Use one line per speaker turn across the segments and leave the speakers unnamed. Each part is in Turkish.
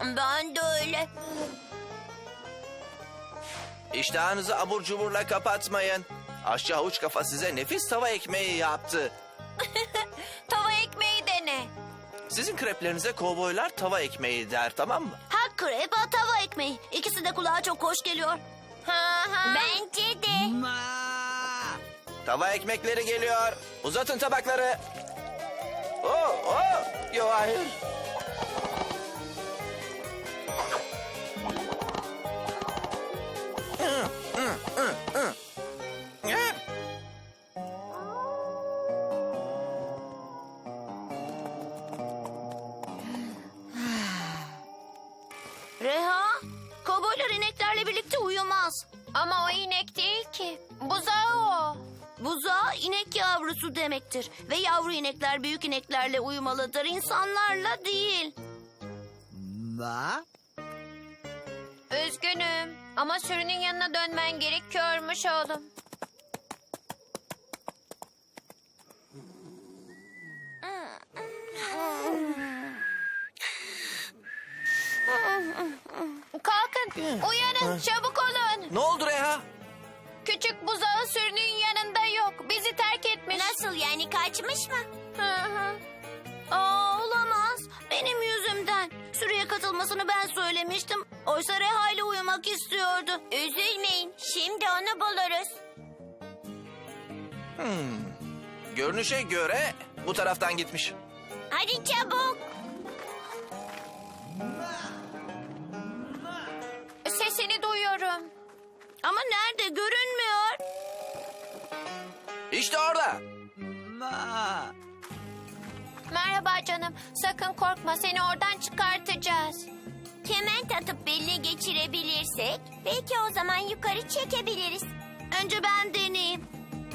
Ben de öyle.
İştahınızı abur cuburla kapatmayın. Aşçı havuç kafa size nefis tava ekmeği yaptı.
Tava ekmeği dene.
Sizin kreplerinize kovboylar tava ekmeği der, tamam mı?
Ha krep ha tava ekmeği. İkisi de kulağa çok hoş geliyor. Bence de.
Tava ekmekleri geliyor. Uzatın tabakları. Yo, hayır.
Reha, kovboylar ineklerle birlikte uyumaz.
Ama o inek değil ki. Buzağı o.
Buzağı inek yavrusu demektir. Ve yavru inekler büyük ineklerle uyumalıdır, insanlarla değil.
Üzgünüm. Ama sürünün yanına dönmen gerekiyormuş oğlum. Kalkın, uyanın, çabuk olun.
Ne oldu Reha?
Küçük buzağı sürünün yanında yok. Bizi terk etmiş.
Nasıl yani, kaçmış mı?
Hı hı.
Olamaz. Benim yüzümden. Sürüye katılmasını ben söylemiştim. Oysa Reha ile uyumak istiyordu. Üzülmeyin. Şimdi onu buluruz.
Görünüşe göre bu taraftan gitmiş.
Hadi çabuk.
Sesini duyuyorum.
Ama nerede, görünmüyor.
İşte orada.
Merhaba canım. Sakın korkma. Seni oradan çıkartacağız.
Kement atıp beline geçirebilirsek belki o zaman yukarı çekebiliriz. Önce ben deneyeyim.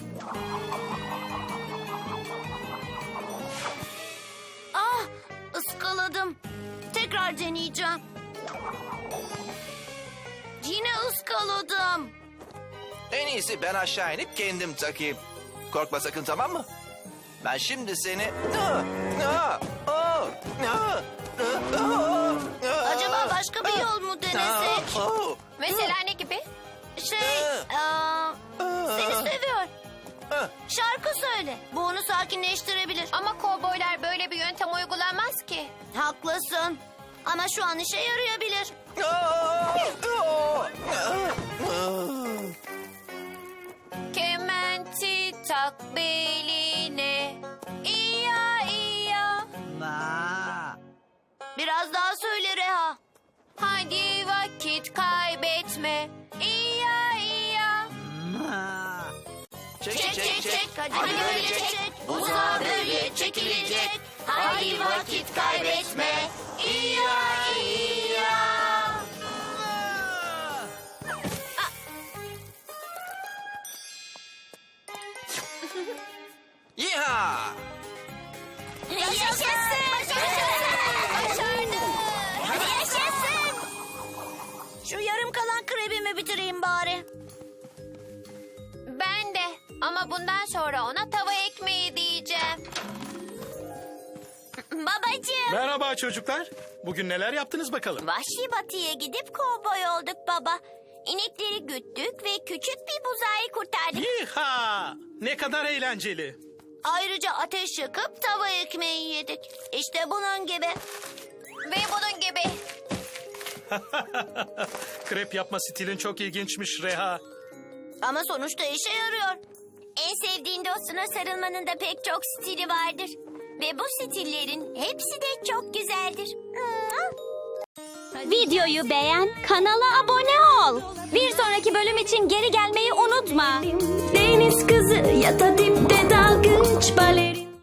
Ah, ıskaladım. Tekrar deneyeceğim. Yine ıskaladım.
En iyisi ben aşağı inip kendim takayım. Korkma sakın, tamam mı? Ben şimdi seni...
Acaba başka bir yol mu denesek?
Mesela ne gibi?
Seni seviyor. Şarkı söyle. Bu onu sakinleştirebilir.
Ama kovboylar böyle bir yöntem uygulamaz ki.
Haklısın. Ama şu an işe yarayabilir.
Kementi tak beline. İya iya.
Biraz daha söyle Reha.
Hadi vakit kaybetme. İya iya.
Çek çek çek.
Hadi böyle çek. Buzağa böyle çekilecek. Hadi vakit kaybetme. İya iya.
Yiha!
Yaşasın. Başardık. Hadi yaşasın. Şu yarım kalan krebimi bitireyim bari.
Ben de. Ama bundan sonra ona tava ekmeği diyeceğim.
Babacığım.
Merhaba çocuklar. Bugün neler yaptınız bakalım?
Vahşi batıya gidip kovboy olduk baba. İnekleri güttük ve küçük bir buzağıyı kurtardık.
Yiha! Ne kadar eğlenceli.
Ayrıca ateş yakıp tava ekmeği yedik. İşte bunun gibi.
Ve bunun gibi.
Krep yapma stilin çok ilginçmiş Reha.
Ama sonuçta işe yarıyor. En sevdiğin dostuna sarılmanın da pek çok stili vardır. Ve bu stillerin hepsi de çok güzeldir.
Videoyu beğen, kanala abone ol. Bir sonraki bölüm için geri gelmeyi unutma.
Deniz kızı ya da dipte dalgıç baleri.